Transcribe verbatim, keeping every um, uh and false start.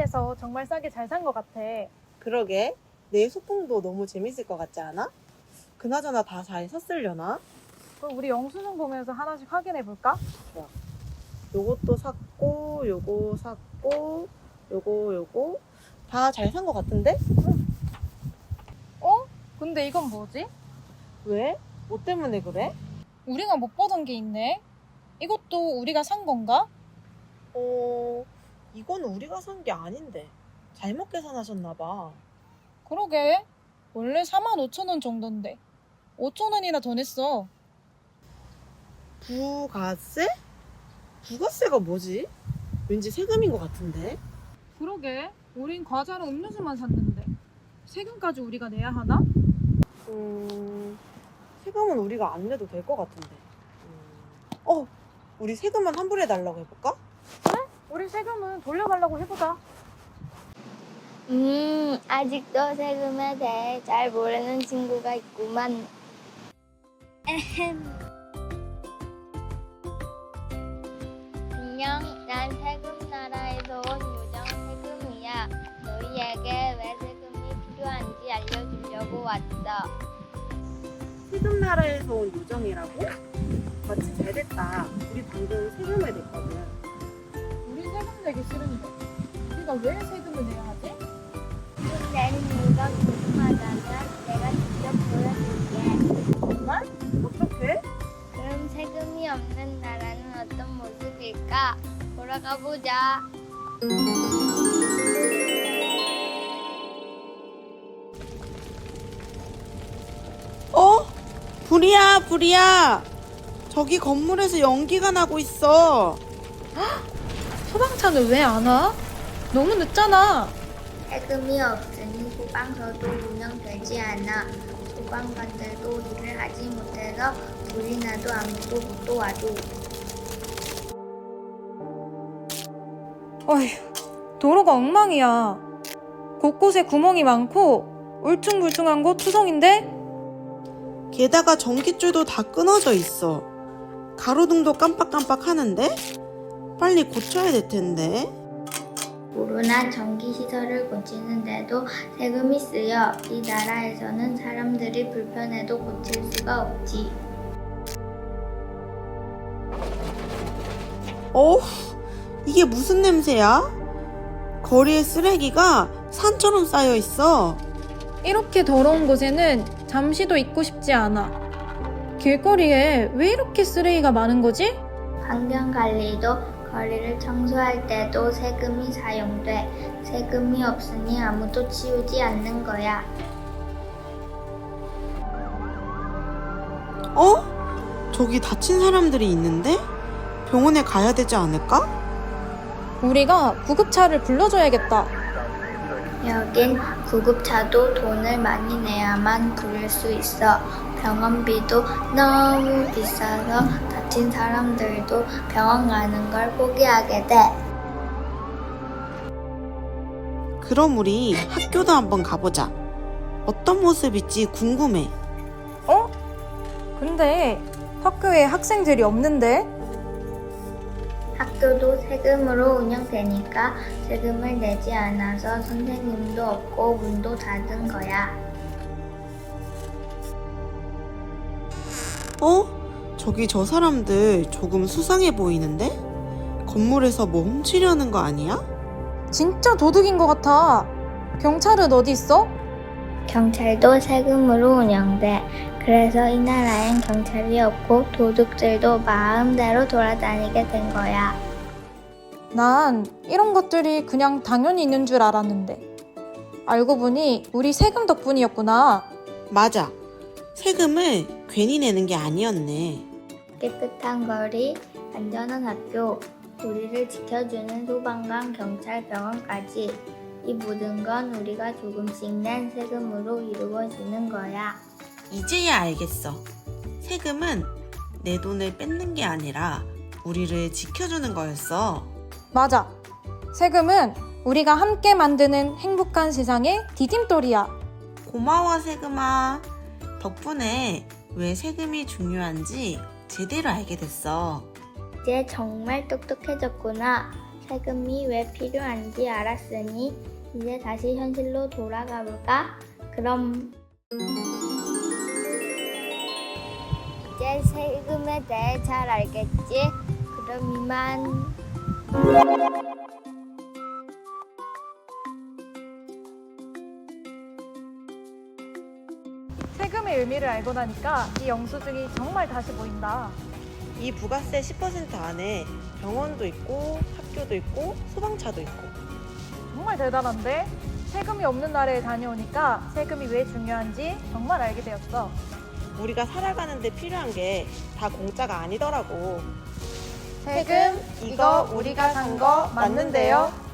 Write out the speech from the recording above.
세금에서 정말 싸게 잘 산 것 같아. 그러게. 내 소풍도 너무 재밌을 것 같지 않아? 그나저나 다 잘 샀으려나? 그럼 우리 영수증 보면서 하나씩 확인해 볼까? 요것도 샀고, 요거 샀고, 요거, 요거. 다 잘 산 것 같은데? 어? 근데 이건 뭐지? 왜? 뭐 때문에 그래? 우리가 못 보던 게 있네. 이것도 우리가 산 건가? 어, 이건 우리가 산 게 아닌데. 잘못 계산하셨나 봐. 그러게. 원래 사만 오천 원 정도인데 오천 원이나 더 냈어. 부가세? 부가세가 뭐지? 왠지 세금인 것 같은데? 그러게. 우린 과자랑 음료수만 샀는데 세금까지 우리가 내야 하나? 음, 세금은 우리가 안 내도 될 것 같은데. 음, 어, 우리 세금만 환불해달라고 해볼까? 우리 세금은 돌려달라고 해보자. 음, 아직도 세금에 대해 잘 모르는 친구가 있구만. 에헴. 안녕, 난 세금 나라에서 온 요정 세금이야. 너희에게 왜 세금이 필요한지 알려주려고 왔어. 세금 나라에서 온 요정이라고? 마치 잘 됐다. 우리 방금 세금을 냈거든. 우리 세금 내기 싫은데 우리가 왜 세금을 내야 하지? 세금 내는 이유가 궁금하다면 내가 직접 보여줄게. 정말? 어떻게? 그럼 세금이 없는 나라는 어떤 모습일까? 보러 가보자. 어? 불이야, 불이야. 저기 건물에서 연기가 나고 있어. 소방차는 왜 안 와? 너무 늦잖아. 세금이 없으니 소방서도 운영되지 않아. 소방관들도 일을 하지 못해서 불이 나도 아무도 못 도와줘. 어휴, 도로가 엉망이야. 곳곳에 구멍이 많고 울퉁불퉁한 곳 투성인데? 게다가 전깃줄도 다 끊어져 있어. 가로등도 깜빡깜빡 하는데? 빨리 고쳐야 될 텐데. 불운한 전기시설을 고치는데도 세금이 쓰여. 이 나라에서는 사람들이 불편해도 고칠 수가 없지. 어우, 이게 무슨 냄새야? 거리에 쓰레기가 산처럼 쌓여 있어. 이렇게 더러운 곳에는 잠시도 있고 싶지 않아. 길거리에 왜 이렇게 쓰레기가 많은 거지? 환경관리도 거리를 청소할 때도 세금이 사용돼. 세금이 없으니 아무도 치우지 않는 거야. 어? 저기 다친 사람들이 있는데? 병원에 가야 되지 않을까? 우리가 구급차를 불러줘야겠다. 여긴 구급차도 돈을 많이 내야만 부를 수 있어. 병원비도 너무 비싸서 다친 사람들도 병원 가는 걸 포기하게 돼. 그럼 우리 학교도 한번 가보자. 어떤 모습일지 궁금해. 어? 근데 학교에 학생들이 없는데? 학교도 세금으로 운영되니까 세금을 내지 않아서 선생님도 없고 문도 닫은 거야. 어? 저기 저 사람들 조금 수상해 보이는데? 건물에서 뭐 훔치려는 거 아니야? 진짜 도둑인 것 같아. 경찰은 어디 있어? 경찰도 세금으로 운영돼. 그래서 이 나라엔 경찰이 없고 도둑들도 마음대로 돌아다니게 된 거야. 난 이런 것들이 그냥 당연히 있는 줄 알았는데 알고 보니 우리 세금 덕분이었구나. 맞아. 세금을 괜히 내는 게 아니었네. 깨끗한 거리, 안전한 학교, 우리를 지켜주는 소방관, 경찰, 병원까지 이 모든 건 우리가 조금씩 낸 세금으로 이루어지는 거야. 이제야 알겠어. 세금은 내 돈을 뺏는 게 아니라 우리를 지켜주는 거였어. 맞아. 세금은 우리가 함께 만드는 행복한 세상의 디딤돌이야. 고마워, 세금아. 덕분에 왜 세금이 중요한지 제대로 알게 됐어. 이제 정말 똑똑해졌구나. 세금이 왜 필요한지 알았으니 이제 다시 현실로 돌아가 볼까? 그럼 이제 세금에 대해 잘 알겠지? 그럼 이만. 세금의 의미를 알고 나니까 이 영수증이 정말 다시 보인다. 이 부가세 십 퍼센트 안에 병원도 있고 학교도 있고 소방차도 있고. 정말 대단한데? 세금이 없는 나라에 다녀오니까 세금이 왜 중요한지 정말 알게 되었어. 우리가 살아가는데 필요한 게 다 공짜가 아니더라고. 세금, 이거 우리가 산 거 맞는데요?